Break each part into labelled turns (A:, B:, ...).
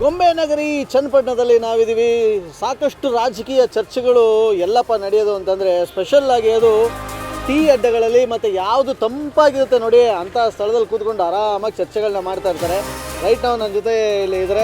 A: ಗೊಂಬೆ ನಗರಿ ಚನ್ನಪಟ್ಟಣದಲ್ಲಿ ನಾವಿದ್ದೀವಿ. ಸಾಕಷ್ಟು ರಾಜಕೀಯ ಚರ್ಚೆಗಳು ಎಲ್ಲಪ್ಪ ನಡೆಯೋದು ಅಂತಂದರೆ ಸ್ಪೆಷಲ್ ಆಗಿ ಅದು ಟೀ ಅಡ್ಡಗಳಲ್ಲಿ ಮತ್ತು ಯಾವುದು ತಂಪಾಗಿರುತ್ತೆ ನೋಡಿ ಅಂಥ ಸ್ಥಳದಲ್ಲಿ ಕೂತ್ಕೊಂಡು ಆರಾಮಾಗಿ ಚರ್ಚೆಗಳನ್ನ ಮಾಡ್ತಾ ಇರ್ತಾರೆ. ರೈಟ್ ನಾವು ನನ್ನ ಜೊತೆ ಇಲ್ಲಿ ಇದ್ದಾರೆ.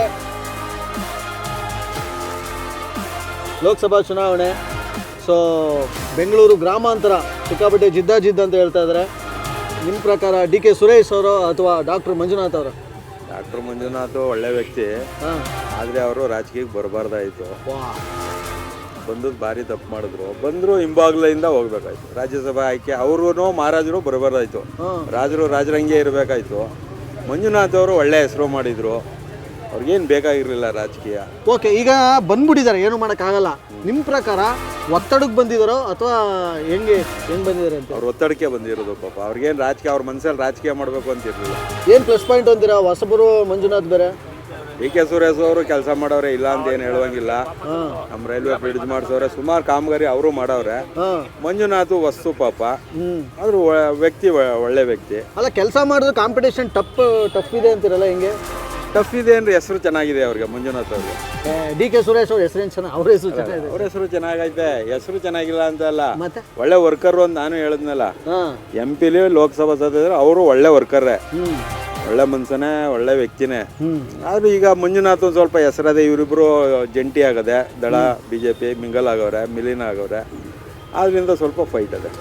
A: ಲೋಕಸಭಾ ಚುನಾವಣೆ, ಸೊ ಬೆಂಗಳೂರು ಗ್ರಾಮಾಂತರ ಸಿಕ್ಕಾಪಟ್ಟೆ ಜಿದ್ದಾಜಿದ್ದು ಅಂತ ಹೇಳ್ತಾ ಇದ್ದಾರೆ. ನಿಮ್ಮ ಪ್ರಕಾರ ಡಿ ಕೆ ಸುರೇಶ್ ಅವರು ಅಥವಾ ಡಾಕ್ಟರ್ ಮಂಜುನಾಥ್ ಅವರು?
B: ಡಾಕ್ಟರ್ ಮಂಜುನಾಥ್ ಒಳ್ಳೆ ವ್ಯಕ್ತಿ, ಆದರೆ ಅವರು ರಾಜಕೀಯಕ್ಕೆ ಬರಬಾರ್ದಾಯಿತು. ಬಂದದ್ದು ಭಾರಿ ತಪ್ಪು ಮಾಡಿದ್ರು. ಬಂದರು ಹಿಂಬಾಗ್ಲಿಂದ ಹೋಗ್ಬೇಕಾಯ್ತು. ರಾಜ್ಯಸಭಾ ಆಯ್ಕೆ ಅವ್ರೂ ಮಹಾರಾಜರು ಬರಬಾರ್ದಾಯ್ತು. ರಾಜರಂಗೆ ಇರಬೇಕಾಯ್ತು. ಮಂಜುನಾಥ್ ಅವರು ಒಳ್ಳೆ ಹೆಸರು ಮಾಡಿದರು. ಅವ್ರಿಗೇನು ಬೇಕಾಗಿರಲಿಲ್ಲ ರಾಜಕೀಯ.
A: ಓಕೆ, ಈಗ ಬಂದ್ಬಿಟ್ಟಿದ್ದಾರೆ, ಏನು ಮಾಡೋಕ್ಕಾಗಲ್ಲ. ನಿಮ್ಮ ಪ್ರಕಾರ ಒತ್ತಡಕ್ಕೆ ಬಂದಿದ್ದಾರೋ ಅಥವಾ ಹೆಂಗೆ ಬಂದಿದ್ದಾರೆ ಅಂತ?
B: ಅವ್ರು ಒತ್ತಡಕ್ಕೆ ಬಂದಿರೋದು ಪಾಪ. ಅವ್ರಿಗೇನು ರಾಜಕೀಯ, ಅವ್ರ ಮನಸ್ಸಲ್ಲಿ ರಾಜಕೀಯ ಮಾಡಬೇಕು ಅಂತ ಇರಲಿಲ್ಲ.
A: ಏನು ಪ್ಲಸ್ ಪಾಯಿಂಟ್ ಅಂತೀರಾ? ಹೊಸಬರು ಮಂಜುನಾಥ್ ಬೇರೆ,
B: ಡಿ ಕೆ ಸುರೇಶ್ ಅವರು ಕೆಲಸ ಮಾಡವ್ರೆ, ಇಲ್ಲ ಅಂತ ಏನು ಹೇಳುವಂಗಿಲ್ಲ. ನಮ್ಮ ರೈಲ್ವೆ ಬ್ರಿಡ್ಜ್ ಮಾಡಿಸೋರೆ, ಸುಮಾರು ಕಾಮಗಾರಿ ಅವರು ಮಾಡವ್ರೆ. ಮಂಜುನಾಥ್ ವಸ್ತು ಪಾಪ, ಆದ್ರೂ ವ್ಯಕ್ತಿ ಒಳ್ಳೆ ವ್ಯಕ್ತಿ.
A: ಅಲ್ಲ, ಕೆಲಸ ಮಾಡಿದ್ರೆ ಕಾಂಪಿಟೇಷನ್ ಟಫ್ ಇದೆ ಅಂತೀರಲ್ಲ, ಹೆಂಗೆ?
B: ಟಫ್ ಇದೆ ಅಂದ್ರೆ ಹೆಸರು ಚೆನ್ನಾಗಿದೆ ಅವ್ರಿಗೆ, ಮಂಜುನಾಥ್ ಅವ್ರಿಗೆ.
A: ಡಿ ಕೆ ಸುರೇಶ್ ಅವ್ರ ಹೆಸರೇನು ಚೆನ್ನಾಗಿ? ಅವ್ರ ಹೆಸರು ಚೆನ್ನಾಗಿದೆ.
B: ಅವ್ರ ಹೆಸರು ಚೆನ್ನಾಗೈತೆ, ಹೆಸರು ಚೆನ್ನಾಗಿಲ್ಲ ಅಂತ ಅಲ್ಲ.
A: ಮತ್ತೆ
B: ಒಳ್ಳೆ ವರ್ಕರ್ ಅಂತ ನಾನು ಹೇಳಿದ್ನಲ್ಲ, MP ಲೋಕಸಭಾ ಸದಸ್ಯರು ಅವರು ಒಳ್ಳೆ ವರ್ಕರ್ರೇ, ಒಳ್ಳೆ ಮನ್ಸನೇ, ಒಳ್ಳೆ ವ್ಯಕ್ತಿನೇ. ಆದ್ರೂ ಈಗ ಮಂಜುನಾಥ್ ಒಂದು ಸ್ವಲ್ಪ ಹೆಸರದೆ. ಇವರಿಬ್ರು ಜಂಟಿ ಆಗದೆ, ದಳ BJP ಮಿಂಗಲ್ ಆಗವ್ರೆ, ಮಿಲಿನ ಆಗವ್ರೆ. ಆದ್ರಿಂದ ಸ್ವಲ್ಪ ಫೈಟ್ ಅದೇ.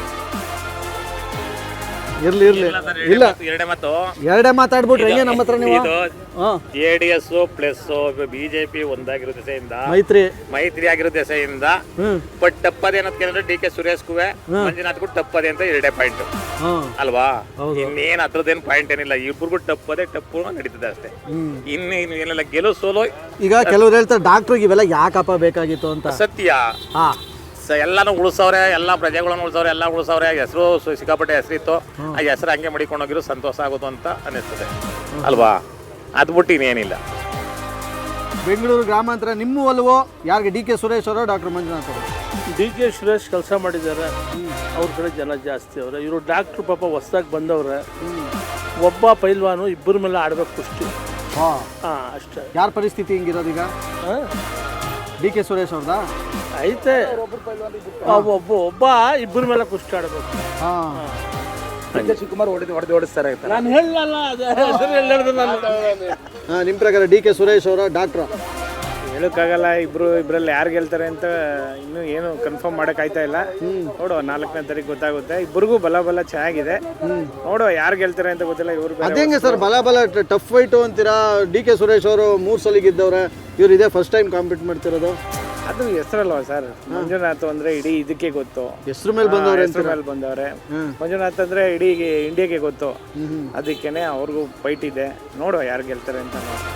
A: ಇರ್ಲಿ ಇಲ್ಲ, ಎರಡೇ ಮಾತಾಡ್ಬಿಟ್ರೆ ಹೆಂಗೆ ನಮ್ಮ ಹತ್ರ ನೀವು?
C: JDS ಪ್ಲಸ್ BJP ಒಂದಾಗಿರೋ ದೆಸೆಯಿಂದ, ಮೈತ್ರಿ ಆಗಿರೋ ದೆಸೆಯಿಂದ ಬಟ್ ತಪ್ಪದೆ ಅನ್ನೋದಕ್ಕೆ ಡಿ ಕೆ ಸುರೇಶ್ಗೂ ಮಂಜುನಾಥ್ಗೂ ತಪ್ಪದೆ ಅಂತ ಎರಡೇ ಪಾಯಿಂಟ್ ಅಲ್ವಾ? ಇನ್ನೇನ್ ಅದ್ರದ್ದೇನು ಪಾಯಿಂಟ್ ಏನಿಲ್ಲ. ಇಬ್ಬರಿಗೂ ಟಪ್ಪು ನಡೀತದೆ ಅಷ್ಟೇ. ಇನ್ನೇನು ಏನಿಲ್ಲ. ಗೆಲುವು ಸೋಲೋ. ಈಗ
A: ಕೆಲವ್ರು ಹೇಳ್ತಾರೆ ಡಾಕ್ಟ್ರಿಗೆ ಇವೆಲ್ಲ ಯಾಕಪ್ಪ ಬೇಕಾಗಿತ್ತು ಅಂತ.
C: ಸತ್ಯ, ಎಲ್ಲಾನು ಉಳಿಸವ್ರೆ, ಎಲ್ಲ ಪ್ರಜೆಗಳನ್ನು ಉಳಿಸವ್ರೆ, ಎಲ್ಲ ಉಳಿಸವ್ರೆ. ಹೆಸರು ಸಿಕ್ಕಾಪಟ್ಟೆ ಹೆಸರಿತ್ತು. ಆ ಹೆಸರು ಹಂಗೆ ಮಡಿಕೊಂಡು ಹೋಗಿರೋ ಸಂತೋಷ ಆಗೋದು ಅಂತ ಅನ್ನಿಸ್ತದೆ ಅಲ್ವಾ? ಅದು ಬಿಟ್ಟು ಇನ್ನೇನಿಲ್ಲ.
A: ಬೆಂಗಳೂರು ಗ್ರಾಮಾಂತರ ನಿಮ್ಮ ಒಲವು ಯಾರಿಗೆ? ಡಿ ಕೆ ಸುರೇಶ್ ಅವರು, ಡಾಕ್ಟರ್ ಮಂಜುನಾಥ್ ಅವರು?
D: ಡಿ ಕೆ ಸುರೇಶ್ ಕೆಲಸ ಮಾಡಿದ್ದಾರೆ, ಅವ್ರ ಕಡೆ ಜನ ಜಾಸ್ತಿ ಅವ್ರೆ. ಇವರು ಡಾಕ್ಟ್ರು ಪಾಪ ಹೊಸ್ದಾಗಿ ಬಂದವ್ರೆ. ಒಬ್ಬ ಪೈಲ್ವಾನು ಇಬ್ಬರ ಮೇಲೆ ಆಡ್ಬೇಕು ಕುಸ್ತಿ. ಅಷ್ಟೇ.
A: ಯಾರ ಪರಿಸ್ಥಿತಿ ಹಿಂಗಿರೋದೀಗ? ಡಿ ಕೆ ಸುರೇಶ್ ಅವ್ರದಾ?
D: ಐತೆ, ಒಬ್ಬ ಇಬ್ಬರ ಮೇಲೆ ಕುಸ್ತಿ ಆಡ್ಬೇಕು.
C: ಶಿವಕುಮಾರ್ ಓಡಿಸ್ತಾರೆ.
D: ನಾನು ಹೇಳಲ್ಲ,
A: ನಿಮ್ಮ ಪ್ರಕಾರ ಡಿ ಕೆ ಸುರೇಶ್ ಅವರ, ಡಾಕ್ಟ್ರ?
E: ಹೇಳೋಕ್ಕಾಗಲ್ಲ. ಇಬ್ಬರಲ್ಲಿ ಯಾರು ಗೆಲ್ತಾರೆ ಅಂತ ಇನ್ನೂ ಏನು ಕನ್ಫರ್ಮ್ ಮಾಡೋಕ್ಕಾಯ್ತಾ ಇಲ್ಲ. ನೋಡುವ, 4ನೇ ತಾರೀಕು ಗೊತ್ತಾಗುತ್ತೆ. ಇಬ್ಬರಿಗೂ ಬಲ ಚೆನ್ನಾಗಿದೆ. ನೋಡುವ ಯಾರು ಗೆಲ್ತಾರೆ ಅಂತ ಗೊತ್ತಿಲ್ಲ. ಇವರು
A: ಅದೇಂಗೆ ಸರ್ ಬಲ ಟಫ್ ಫೈಟು ಅಂತೀರಾ? ಡಿ ಕೆ ಸುರೇಶ್ ಅವರು 3 ಸಲ ಗೆದ್ದವ್ರೆ, ಇವ್ರು ಇದೇ ಫಸ್ಟ್ ಟೈಮ್ ಕಾಂಪೀಟ್ ಮಾಡ್ತಿರೋದು.
E: ಅದು ಹೆಸರಲ್ವ ಸರ್? ಮಂಜುನಾಥ್ ಅಂದ್ರೆ ಇಡೀ ಇದಕ್ಕೆ ಗೊತ್ತು,
A: ಹೆಸರು ಮೇಲೆ
E: ಬಂದವ್ರೆ. ಮಂಜುನಾಥ್ ಅಂದ್ರೆ ಇಡೀ ಇಂಡಿಯಾಗೆ ಗೊತ್ತು. ಅದಕ್ಕೇನೆ ಅವ್ರಿಗೂ ಫೈಟ್ ಇದೆ. ನೋಡುವ ಯಾರು ಗೆಲ್ತಾರೆ ಅಂತ.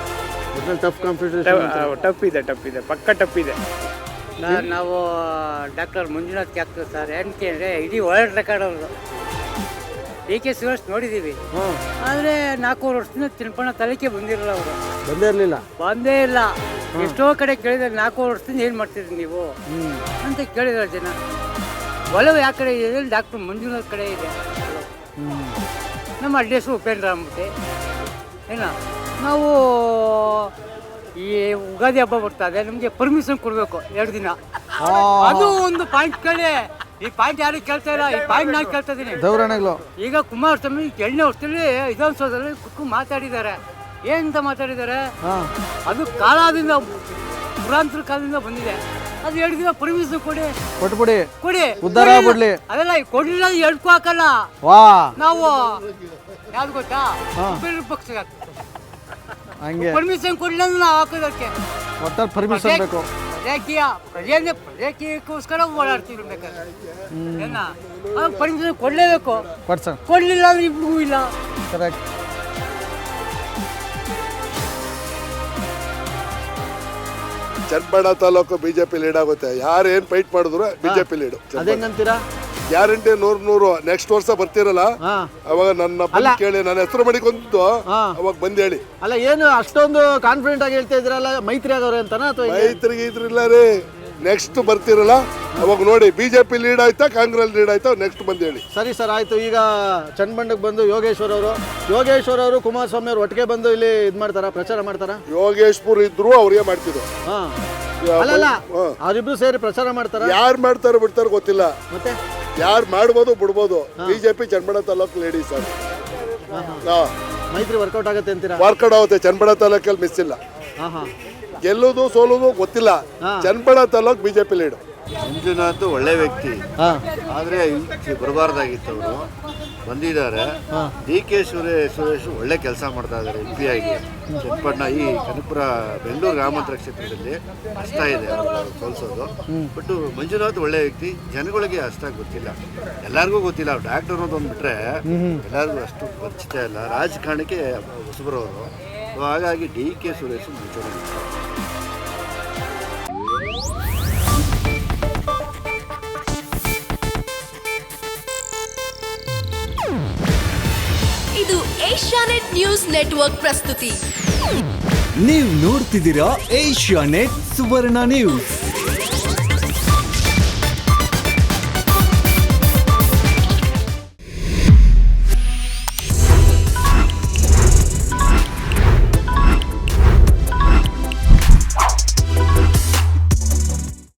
E: ಟಫ್ ಇದೆ, ಪಕ್ಕ ಟಫ್ ಇದೆ.
F: ನಾವು ಡಾಕ್ಟರ್ ಮಂಜುನಾಥ್ಗೆ ಆಗ್ತದೆ ಸರ್. ಏನಕ್ಕೆ ಅಂದರೆ ಇಡೀ ವರ್ಲ್ಡ್ ರೆಕಾರ್ಡ್ ಅವರು. ಡಿ ಕೆ ಸುರೇಶ್ ನೋಡಿದ್ದೀವಿ, ಆದರೆ 4 ವರ್ಷದಿಂದ ತಿಳ್ಪಣ ತಲೆಗೆ ಬಂದಿರಲ್ಲ. ಅವರು ಬಂದೇ ಇಲ್ಲ. ಎಷ್ಟೋ ಕಡೆ ಕೇಳಿದ್ರೆ 4 ವರ್ಷದಿಂದ ಏನು ಮಾಡ್ತಿದ್ರಿ ನೀವು ಅಂತ ಕೇಳಿದಾರೆ ಜನ. ಒಲವು ಯಾವ ಕಡೆ ಇದೆ? ಡಾಕ್ಟರ್ ಮಂಜುನಾಥ್ ಕಡೆ ಇದೆ. ನಮ್ಮ ಅಡ್ರೆಸ್ಸು ಉಪೇಂದ್ರ ಅಂಬುತ್ತೆ. ನಾವು ಈ ಯುಗಾದಿ ಹಬ್ಬ ಬರ್ತದೆ, ನಮಗೆ ಪರ್ಮಿಷನ್ ಕೊಡಬೇಕು 2 ದಿನ. ಅದು ಒಂದು ಪಾಯಿಂಟ್ ಕೇಳಿ. ಈ ಪಾಯಿಂಟ್ ಯಾರು ಕೇಳ್ತಾ ಇಲ್ಲ, ಈ ಪಾಯಿಂಟ್ ನಾನು ಕೇಳ್ತಾ ಇದ್ದೀನಿ. ಈಗ ಕುಮಾರಸ್ವಾಮಿ 2ನೇ ವರ್ಷದಲ್ಲಿ ವಿಧಾನಸೌಧದಲ್ಲಿ ಕುತ್ಕೊಂಡು ಮಾತಾಡಿದ್ದಾರೆ. ಏನಂತ ಮಾತಾಡಿದ್ದಾರೆ? ಅದು ಕಾಲದಿಂದ, ಪುರಾಂತರ ಕಾಲದಿಂದ ಬಂದಿದೆ. ಅದು 2 ದಿನ ಪರ್ಮಿಷನ್ ಕೊಡಿ. ಅದೆಲ್ಲ ಕೊಡ್ಲಿಲ್ಲ, ಎಡ್ಕೂ ಹಾಕಲ್ಲ. ನಾವು ಯಾವ್ದು ಗೊತ್ತಾ? ಪಕ್ಷ ಪರ್ಮಿಷನ್ ಕೊಡ್ಲಿಲ್ಲ ಅಂದ್ರೆ ನಾವು ಹಾಕೋದಕ್ಕೆ ಪ್ರಜಾಕೀಯಕ್ಕೋಸ್ಕರ ಓಡಾಡ್ತೀವಿ. ಬೇಕಾದ್ರೆ ಪರ್ಮಿಷನ್ ಕೊಡ್ಲೇಬೇಕು. ಕೊಡ್ಲಿಲ್ಲ ಅಂದ್ರೆ ಇಬ್ರಿಗೂ ಇಲ್ಲ.
G: ಚನ್ನಪಟ್ಟಣ ತಾಲೂಕು BJP ಲೀಡ್ ಆಗುತ್ತೆ. ಯಾರು ಏನು ಫೈಟ್ ಮಾಡಿದ್ರು BJP ಲೀಡು. ಗ್ಯಾರಂಟಿ 100 ನೆಕ್ಸ್ಟ್ ವರ್ಷ ಬರ್ತಿರಲ್ಲ, ಅವಾಗ ನನ್ನ ಬಂದು ಕೇಳಿ, ನನ್ನ ಹೆಸರು ಮಾಡಿಕೊಂಡು ಅವಾಗ ಬಂದು ಹೇಳಿ.
A: ಅಲ್ಲ, ಏನು ಅಷ್ಟೊಂದು ಕಾನ್ಫಿಡೆಂಟ್ ಆಗಿ ಹೇಳ್ತಾ ಇದ್ರಲ್ಲ, ಮೈತ್ರಿ ಆಗವ್ರೆ ಅಂತನಾ? ಅಥವಾ
G: ಮೈತ್ರಿಗೆ ಇದ್ರಿಲ್ಲ ರೀ, ನೆಕ್ಸ್ಟ್ ಬರ್ತಿರಲ್ಲ ಅವಾಗ ನೋಡಿ ಬಿಜೆಪಿ ಲೀಡ್ ಆಯ್ತಾ ಕಾಂಗ್ರೆಸ್ ಲೀಡ್ ಆಯ್ತಾ ನೆಕ್ಸ್ಟ್ ಬಂದು ಹೇಳಿ.
A: ಸರಿ ಸರ್, ಆಯ್ತು. ಈಗ ಚನ್ನಬಂಡಕ್ಕೆ ಬಂದು ಯೋಗೇಶ್ವರ್ ಅವರು ಕುಮಾರಸ್ವಾಮಿ ಅವರು ಒಟ್ಟಿಗೆ ಬಂದು ಇಲ್ಲಿ ಇದು ಮಾಡ್ತಾರಾ, ಪ್ರಚಾರ ಮಾಡ್ತಾರಾ?
G: ಯೋಗೇಶ್ಪುರ್ ಇದ್ರು ಅವ್ರಿಗೆ ಮಾಡ್ತಿದ್ರು.
A: ಹಾ, ಅಲ್ಲ ಅವರಿಬ್ರು ಸೇರಿ ಪ್ರಚಾರ ಮಾಡ್ತಾರ.
G: ಯಾರು ಮಾಡ್ತಾರೋ ಬಿಡ್ತಾರೋ ಗೊತ್ತಿಲ್ಲ,
A: ಮತ್ತೆ
G: ಯಾರು ಮಾಡ್ಬೋದು ಬಿಡ್ಬೋದು. BJP Channapatna taluk lady sir
A: ಮೈತ್ರಿ ವರ್ಕೌಟ್ ಆಗುತ್ತೆ ಅಂತೀರಾ?
G: ವರ್ಕೌಟ್ ಆಗುತ್ತೆ. ಚನ್ನಬಣ್ಣ ತಾಲೂಕಲ್ಲಿ ಮಿಸ್ ಇಲ್ಲ. ಗೆಲ್ಲೋದು ಸೋಲೋದು ಗೊತ್ತಿಲ್ಲ. Channapatna taluk BJP lead.
H: ಮಂಜುನಾಥ್ ಒಳ್ಳೆ ವ್ಯಕ್ತಿ, ಆದರೆ ಬರಬಾರ್ದಾಗಿತ್ತು. ಅವರು ಬಂದಿದ್ದಾರೆ. DK ಸುರೇಶ್ ಒಳ್ಳೆ ಕೆಲಸ ಮಾಡ್ತಾ ಇದ್ದಾರೆ MP ಆಗಿ. ಚನ್ನಪಟ್ಟಣ ಈ ಕನಕಪುರ ಬೆಂಗಳೂರು ಗ್ರಾಮಾಂತರ ಕ್ಷೇತ್ರದಲ್ಲಿ ಕಷ್ಟ ಇದೆ ಅವ್ರಿಗೆ ಸೋಲಿಸೋದು. ಬಟ್ ಮಂಜುನಾಥ್ ಒಳ್ಳೆ ವ್ಯಕ್ತಿ, ಜನಗಳಿಗೆ ಅಷ್ಟಾಗಿ ಗೊತ್ತಿಲ್ಲ, ಎಲ್ಲರಿಗೂ ಗೊತ್ತಿಲ್ಲ. ಅವ್ರು ಡಾಕ್ಟರ್ ಅನ್ನೋದು ಒಂದು ಬಿಟ್ರೆ ಎಲ್ಲರಿಗೂ ಅಷ್ಟು ಪರಿಚಿತ ಇಲ್ಲ. ರಾಜಕಾರಣಕ್ಕೆ ಹೊಸಬರವರು, ಹಾಗಾಗಿ DK ಸುರೇಶ್ ಮುಂಚೂಣಿ.
I: ಇದು ಏಷ್ಯಾನೆಟ್ ನ್ಯೂಸ್ ನೆಟ್ವರ್ಕ್ ಪ್ರಸ್ತುತಿ.
J: ನೀವು ನೋಡ್ತಿದ್ದೀರಾ ಏಷ್ಯಾನೆಟ್ ಸುವರ್ಣ ನ್ಯೂಸ್.